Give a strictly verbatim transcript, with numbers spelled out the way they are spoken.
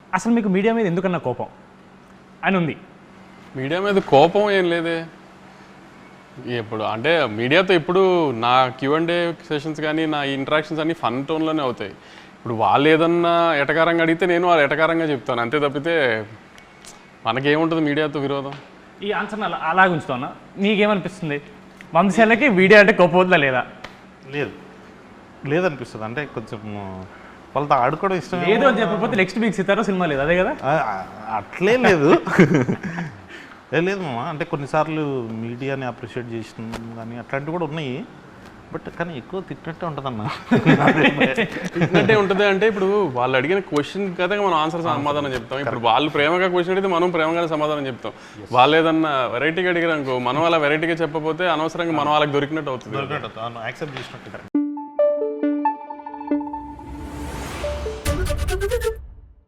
అసలు మీకు మీడియా మీద ఎందుకన్నా కోపం అని ఉంది? మీడియా మీద కోపం ఏం లేదే. ఇప్పుడు అంటే మీడియాతో ఇప్పుడు నా క్యూ అండ్ ఏ సెషన్స్ కానీ నా ఇంటరాక్షన్స్ అన్నీ ఫన్ టోన్లోనే అవుతాయి. ఇప్పుడు వాళ్ళు ఏదన్నా ఎటకారంగా అడిగితే నేను వాళ్ళు ఎటకారంగా చెప్తాను, అంతే తప్పితే మనకేముంటుంది మీడియాతో విరోధం. ఈ ఆన్సర్ని అలా అలాగే ఉంచుతున్నా. నీకేమనిపిస్తుంది, వంశీలకి వీడియో అంటే కోపం వద్దా లేదా? లేదు లేదనిపిస్తుంది. అంటే కొంచెం వాళ్ళతో ఆడుకోవడం ఇష్టం లేదు అని చెప్పకపోతే నెక్స్ట్ వీక్ సితారా సినిమా లేదు, అదే కదా? అట్లే లేదు లేదు మామ. అంటే కొన్నిసార్లు మీడియాని అప్రిషియేట్ చేసిన కానీ అట్లాంటివి కూడా ఉన్నాయి. బట్ కానీ ఎక్కువ తిట్టినట్టే ఉంటుంది అన్న. తిట్టినట్టే ఉంటుంది అంటే ఇప్పుడు వాళ్ళు అడిగిన క్వశ్చన్ కదా మనం ఆన్సర్ సమాధానం చెప్తాం. ఇప్పుడు వాళ్ళు ప్రేమగా క్వశ్చన్ అడిగితే మనం ప్రేమగానే సమాధానం చెప్తాం. వాళ్ళు ఏదన్నా వెరైటీగా అడిగారు అనుకో, మనం అలా వెరైటీగా చెప్పకపోతే అనవసరంగా మనం వాళ్ళకి దొరికినట్టు అవుతుంది. యాక్సెప్ట్ చేసినట్టు.